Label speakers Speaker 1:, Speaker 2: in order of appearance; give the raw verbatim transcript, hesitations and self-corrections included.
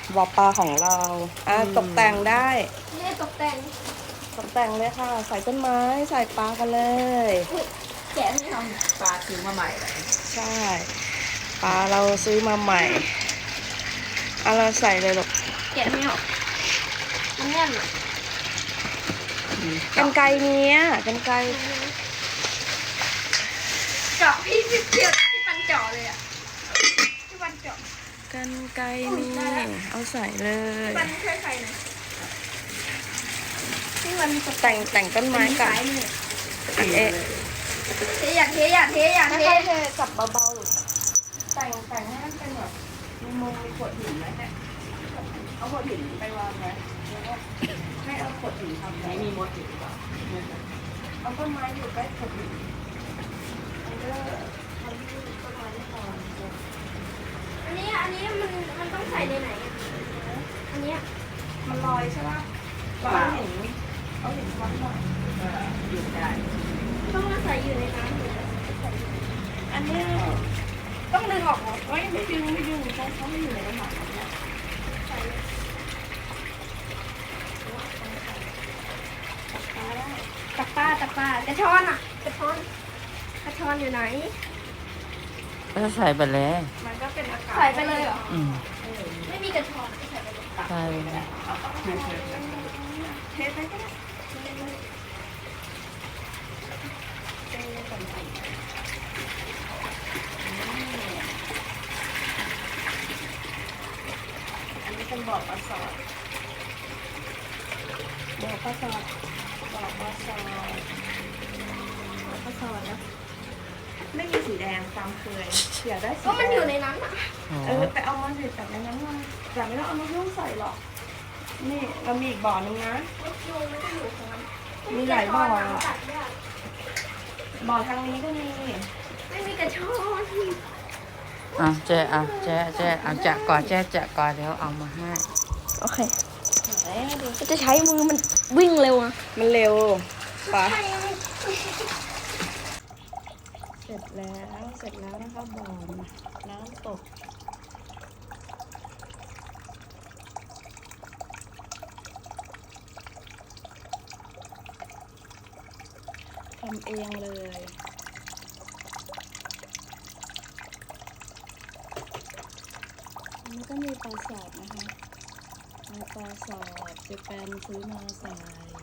Speaker 1: บ่อปลาของเราอ่ะตกแต่งได้
Speaker 2: นี่ตกแต่ง
Speaker 1: ตกแต่งเลยค่ะ ใส่ต้นไม้ใส่ปลากันเลย
Speaker 2: แกะไม่ทำ
Speaker 3: ปลาซื้อมาใหม่เลย
Speaker 1: ใช่ปลาเราซื้อมาใหม่เอาเราใส่เลยลูก
Speaker 2: แกะไม่ออกมันแน่นอ่ะ
Speaker 1: กันไกรเนี้ยกันไกร
Speaker 2: เจาะพี่พี่เพียบพี่ปันเจาะเลยอ่ะพี่ปันเจาะ
Speaker 1: กันไกรนี่เอาใส่เลย
Speaker 2: พี่ปันช่วยใครหน่อยพี่ปันตก
Speaker 1: แต่งแต่งต้นไม้กัน
Speaker 2: นี่
Speaker 1: อ่ะเอ๊ะ
Speaker 2: เทอย่าเทอย่าเทอย่าเท
Speaker 1: ค่อยๆเทจับเบาๆหรือแต่งแต่งให้มันเป็นแบบมีมุมมีขวดหินไหมเนี่ยเอาขวดหินไปวางไว้แล้วก็ให้เอาขวดหินทำ
Speaker 3: ไหน
Speaker 1: ไว้
Speaker 3: มีมดอยู่หรือเปล่า
Speaker 1: เอาต้นไม้อยู่ใกล้ขวดหินมันก็ทำให้ต้นไม้ไม่พอ
Speaker 2: อันนี้อันนี้มันมันต้องใส่ในไหนอะอันเนี้ย
Speaker 1: มันลอยใช่ปะเราเอาหินเอาหินวัดหน่อย
Speaker 3: ก็อยู่ได้
Speaker 2: ต้องมาใส่อยู่ในน้ำอยู่
Speaker 1: อันเนี้ยต้องดึงออกหมดไม่ไม่ดึงไม่ดึงเขาเขาไม่อยู่ในกระถางเนี่ย
Speaker 2: ใส่เลย
Speaker 1: ปลาได้
Speaker 2: ตักป้าตักป้ากระชอนอ่ะกระชอนกระชอนอยู่ไหน
Speaker 3: ก็ใส่ไปเลย
Speaker 1: มันก็เป็นอากาศ
Speaker 2: ใส่ไปเลยเหรอ
Speaker 3: อืม
Speaker 2: ไม่มีกระชอนใส่ไปเลย
Speaker 3: ใส่ไปเลย
Speaker 1: เทไปก็ได้เทก่อนสิอันนี้เป็นบ่อปลาสอดบ่อปลาสอดบ่อปลาสอดบ่อปลาสอดนะไม่มีสีแดงตามเคยอยากได้สี
Speaker 2: ก็มันอยู่
Speaker 1: แด
Speaker 2: ใน
Speaker 1: ง
Speaker 2: นั้นอ่ะ
Speaker 3: โอ้
Speaker 1: เออไปเอามาสิจากในนั้นมาแต่ไม่ต้องเอามาเพิ่มใส่หรอก นี่เรามีอีกบ่อนึงนะ
Speaker 2: รถยนต์ไม่ได้อยู่ตรงนั้น
Speaker 1: มีหลายบ่อ
Speaker 2: กระชนตัดยาก
Speaker 1: บ่อทางนี้ก็มี
Speaker 2: ไม่มีกระชอน
Speaker 3: อ่ะเจ๊อ่ะเจ๊เจ๊เอาจะก่อนเจ๊จะก่อนเดี๋ยวเอามาให้
Speaker 2: โอเคก็จะใช้มือมันวิ่งเร็วนะ
Speaker 1: มันเร็วปะ
Speaker 2: ใช่
Speaker 1: เสร็จแล้วเสร็จแล้วนะคะบ่อน้ำตกทำเองเลยอันนี้ก็มีปลาสอดนะคะมีปลาสอดเจแปนซื้อมาใส่